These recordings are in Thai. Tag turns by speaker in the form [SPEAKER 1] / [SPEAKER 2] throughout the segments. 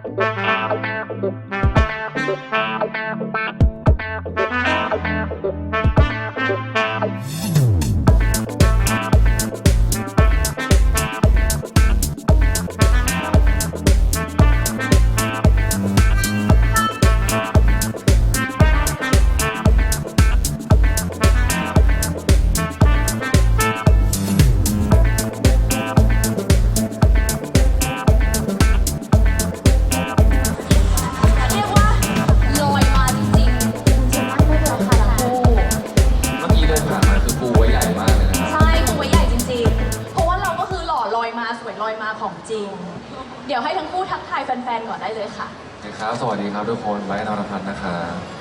[SPEAKER 1] เรียกว่าลอยมาจริงๆคุณจะนั่งได้เลยค่ะทั้งคู่
[SPEAKER 2] เมื่อกี้เดินผ่านมาคือปูไว้ใหญ่มากเลยนะครับ
[SPEAKER 1] ใช่ตัวใหญ่จริงๆ เพราะว่าเราก็คือหล่อลอยมาสวยลอยมาของจริง เดี๋ยวให้ทั้งคู่ทักทายแฟนๆ ก่อนได้เลยค่ะ
[SPEAKER 2] ครับ สวัสดีครับทุกคนไบร์ท นรพัฒน์นะครับ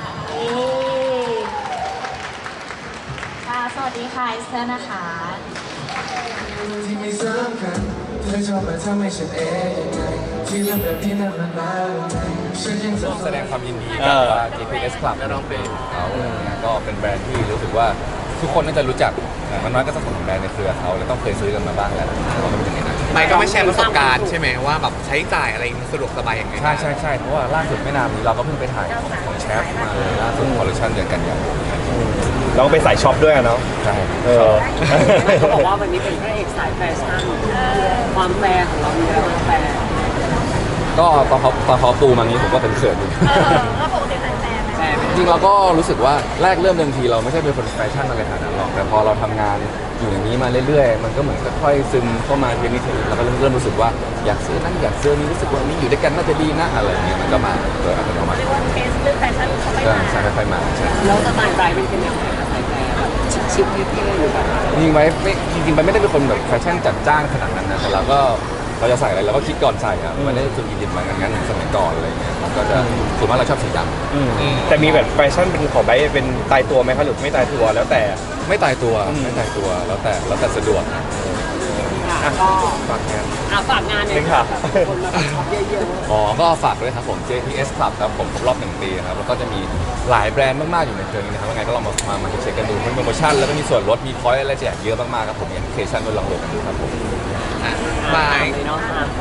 [SPEAKER 1] ค่ะ สวัสดีค่ะเอสเตอร์นะคะ
[SPEAKER 2] ที่ไม่สำคัญเธอชอบมาทำให้ฉันยังไงที่เรื่องแบบนี้นั้นมันมาฉันยังแสดงความยินดีกับ GPS Club และน้องเบนเขาก็เป็นแบรนด์ที่รู้สึกว่าทุกคนน่าจะรู้จักมันน้อยก็ต้องของแบรนด์ในเครือเขาแล้วต้องเคยซื้อกันมาบ้างแล้วเราก็เป็นอย่างนั้น
[SPEAKER 3] ไม่ก็ไม่แชร์ประสบการณ์ใช่ไหมว่าแบบใช้จ่ายอะไรมันสะดวกสบายยังไง
[SPEAKER 2] ใช่เพราะว่าล่าสุดไม่นานนี้เราก็เพิ่งไปถ่ายของแชฟมาเลยล่าสุดคอลเลคชันเดือนกันยายน
[SPEAKER 4] เราก็ไปสายช็อปด้วยอะเนาะ
[SPEAKER 2] ใช่
[SPEAKER 5] เขาบอกว่าวันนี้เป็นพระเอกสายแฟชั่นความแฟร์ของเรามีอะไรบ้างแฟร์
[SPEAKER 2] ก็ตอนเขาปูมางี้ผมก็เป็นเขินอยู่
[SPEAKER 1] แล้วปกติแฟนๆ
[SPEAKER 5] แฟร์ไหม
[SPEAKER 2] จริงเราก็รู้สึกว่าแรกเริ่มเดิมทีเราไม่ใช่เป็นคนแฟชั่นอะไรขนาดนั้นหรอกแต่พอเราทำงานอยู่อย่างนี้มาเรื่อยๆมันก็เหมือนค่อยๆซึมเข้ามาทีนี้เราก็เริ่มรู้สึกว่าอยากซื้อนั่นอยากซื้อนี้รู้สึกว่านี้อยู่ด้วยกันน่าจะดีนะอะไรอย่างเงี้ยมันก็มาโดยอัตโนมัติ
[SPEAKER 1] เรียกว่าเทสเรื่องแฟชั่นเขาไม่
[SPEAKER 2] ก็
[SPEAKER 1] มา
[SPEAKER 2] ใช่ค่อยๆมาใช่
[SPEAKER 5] แล้วสไตล์ไบรท์เป็นยังไงคะสายแฟร์แบบชิคๆเท่ๆหรือแบบ
[SPEAKER 2] จริงๆไปไม่ได้เป็นคนแบบแฟชั่นจัดจ้านขนาดนั้นนะแต่เราจะใส่อะไรเราก็คิดก่อนใส่อะไม่ได้สุดอินดิบเหมือนกันงั้นสมัยก่อนอะไรอย่างเงี้ยมันก็จะส่วนมากเราชอบสีดำ
[SPEAKER 4] แต่มีแบบแฟชั่นเป็นของไบร์ทเป็นตายตัวไหมคะหรือไม่ตายตัวแล้วแต่
[SPEAKER 2] ไม่ตายตัวแล้วแต่สะดวก
[SPEAKER 5] ค่ะก็
[SPEAKER 2] ฝากงาน
[SPEAKER 5] ฝากงานเนี่ยค่ะคนมาแบบช็อปเยอะ
[SPEAKER 2] อ๋อก็ฝากด้วยครับผม JPS Club ครับผมครบรอบ1 ปีครับแล้วก็จะมีหลายแบรนด์มากๆอยู่ในเครือนี้นะครับยังไงก็ลองมาเช็คกันดูมีโปรโมชั่นแล้วก็มีส่วนลดมีพอยต์อะไรแจกเยอะมากๆครับผมมีแอปพลิเคชันด้วยลองโหลดกันดูครับผม
[SPEAKER 5] ๆ
[SPEAKER 3] บาย
[SPEAKER 5] เนาะ